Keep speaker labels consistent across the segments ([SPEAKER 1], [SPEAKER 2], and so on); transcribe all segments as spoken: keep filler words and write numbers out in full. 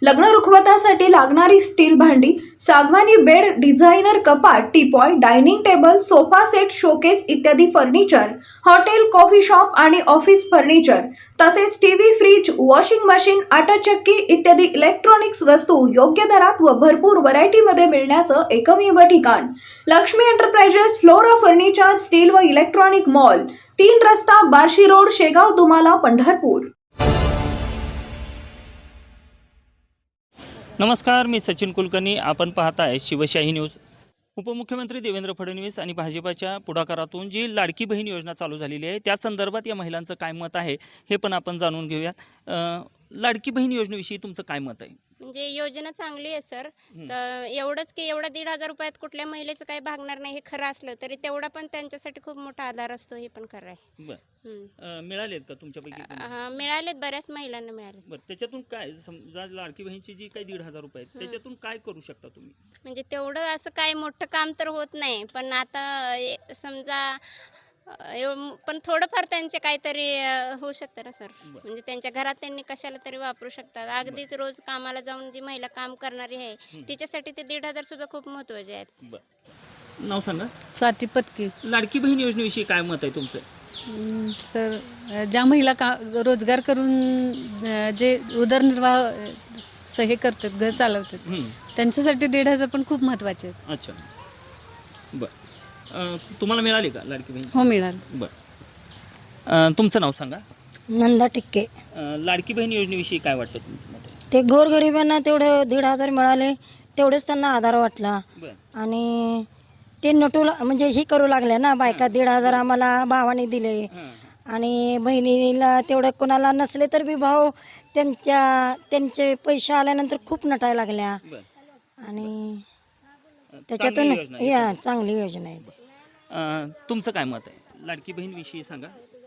[SPEAKER 1] लग्न रुखवतासाठी लागणारी स्टील भांडी, सागवानी बेड, डिझायनर कपाट, teapoy, dining table, sofa set, showcase इत्यादी फर्निचर, हॉटेल, कॉफी शॉप आणि ऑफिस फर्निचर तसेच टीव्ही, फ्रीज, वॉशिंग मशीन, आटा चक्की इत्यादी इलेक्ट्रॉनिक्स वस्तू योग्य दरात व भरपूर व्हरायटीमध्ये मिळण्याचं एकमेव ठिकाण Laxmi enterprises Flora furniture steel व इलेक्ट्रॉनिक मॉल, तीन रस्ता, बार्शी रोड, शेगाव, दुमाला, पंढरपूर।
[SPEAKER 2] नमस्कार, मी सचिन कुलकर्णी। आपण पाहताय शिवशाही न्यूज। उपमुख्यमंत्री देवेंद्र फडणवीस आणि भाजपाच्या पुढाकारातून जी लाडकी बहीण योजना चालू झालेली आहे त्या संदर्भात या महिलांचं काय मत आहे हे पण आपण जाणून घेऊया। लाडकी बहीण योजनेविषयी तुमचं काय मत आहे?
[SPEAKER 3] म्हणजे योजना चांगली आहे सर। तर एवढंच की एवढा दीड हजार रुपयात कुठल्या महिलेचं काही भागणार नाही हे खरं असलं तरी तेवढा पण त्यांच्यासाठी खूप मोठा आधार असतो हे पण खरं आहे।
[SPEAKER 2] बरं, मिळालेत का तुमच्यापैकी?
[SPEAKER 3] हा, मिळालेत, बऱ्याच महिलांना मिळाले।
[SPEAKER 2] बरं, त्याच्यातून काय समजा लाडकी बहीणची जी काही दीड हजार रुपये आहेत त्याच्यातून काय करू शकता तुम्ही?
[SPEAKER 3] म्हणजे तेवढं असं काही मोठं काम तर होत नाही, पण आता समजा पण थोडंफार त्यांचे काहीतरी होऊ शकतं ना सर। म्हणजे त्यांच्या घरात त्यांनी कशाला तरी वापरू शकतात। अगदीच रोज कामाला जाऊन जी महिला काम करणारी आहे तिच्यासाठी ते दीड हजार सुद्धा खूप महत्त्वाचे आहेत।
[SPEAKER 2] नाव सांगा।
[SPEAKER 4] स्वाती पत्की।
[SPEAKER 2] लाडकी बहीण योजनेविषयी काय मत आहे तुमचं?
[SPEAKER 4] सर, ज्या महिला का रोजगार करून जे उदरनिर्वाह हे करतात, घर चालवतात, त्यांच्यासाठी दीड हजार पण खूप महत्त्वाचे आहेत।
[SPEAKER 2] अच्छा, बरं, तुम्हाला मिळाली का लाडकी बहीण?
[SPEAKER 4] हो, मिळाली।
[SPEAKER 2] बरं, तुमचं नाव सांगा।
[SPEAKER 5] नंदा टिक्के।
[SPEAKER 2] लाडकी बहीण योजनेविषयी काय वाटतं तुमचं मत?
[SPEAKER 5] ते गोरगरिबांना तेवढे दीड हजार मिळाले, तेवढेच त्यांना आधार वाटला। आणि ते नटू म्हणजे ही करू लागले ना बायका, दीड हजार आम्हाला भावाने दिले आणि बहिणीला तेवढं कोणाला नसले तर बी भाऊ त्यांच्या त्यांचे पैसे आल्यानंतर खूप नटायला लागल्या आणि त्याच्यातून या चांगली योजना आहे।
[SPEAKER 2] तुमचं काय मत आहे लाडकी बहीण विषयी सांगा।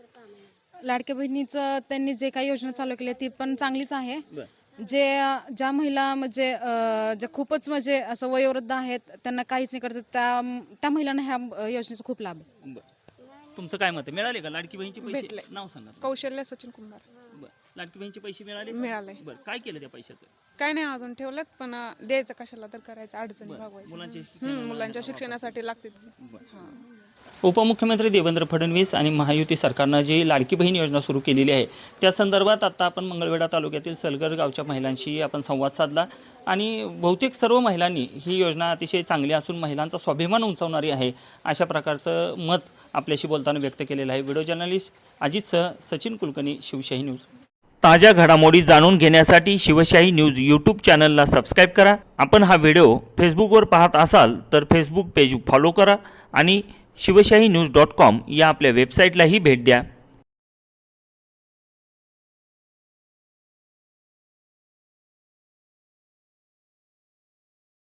[SPEAKER 6] लाडक्या बहिणीचं त्यांनी जे काही योजना चालू केली ती पण चांगलीच आहे। जे ज्या महिला म्हणजे जे खूपच म्हणजे असं वयोवृद्ध आहेत त्यांना काहीच नाही करतात त्या त्या महिलांना ह्या योजनेचा खूप लाभ आहे।
[SPEAKER 2] तुमचं काय मत आहे? मिळाले का लाडकी बहीणचे पैसे?
[SPEAKER 6] भेटले।
[SPEAKER 2] नाव सांगा।
[SPEAKER 6] कौशल्य सचिन कुंभार।
[SPEAKER 2] बरं, लाडकी बहीणचे पैसे मिळाले?
[SPEAKER 6] मिळाले।
[SPEAKER 2] बरं, काय केलं त्या पैशाचं?
[SPEAKER 6] काय नाही, अजून ठेवलेत, पण द्यायचं कशाला तर करायचं, अडचणी
[SPEAKER 2] मुलांच्या
[SPEAKER 6] भागवायचं, मुलांच्या शिक्षणासाठी लागते।
[SPEAKER 2] उपमुख्यमंत्री देवेंद्र फडणवीस आणि महायुती सरकारनं जी लाडकी बहीण योजना सुरू केलेली आहे त्या संदर्भात आता आपण मंगळवेढा तालुक्यातील सलगर गावच्या महिलांशी आपण संवाद साधला आणि बहुतेक सर्व महिलांनी ही योजना अतिशय चांगली असून महिलांचा स्वाभिमान उंचावणारी आहे अशा प्रकारचं मत आपल्याशी बोलताना व्यक्त केलेलं आहे। व्हिडिओ जर्नलिस्ट अजितसह सचिन कुलकर्णी, शिवशाही न्यूज। ताज्या घडामोडी जाणून घेण्यासाठी शिवशाही न्यूज यूट्यूब चॅनलला सबस्क्राईब करा। आपण हा व्हिडिओ फेसबुकवर पाहत असाल तर फेसबुक पेज फॉलो करा आणि शिवशाही न्यूज डॉट कॉम या आपल्या वेबसाईटलाही भेट द्या।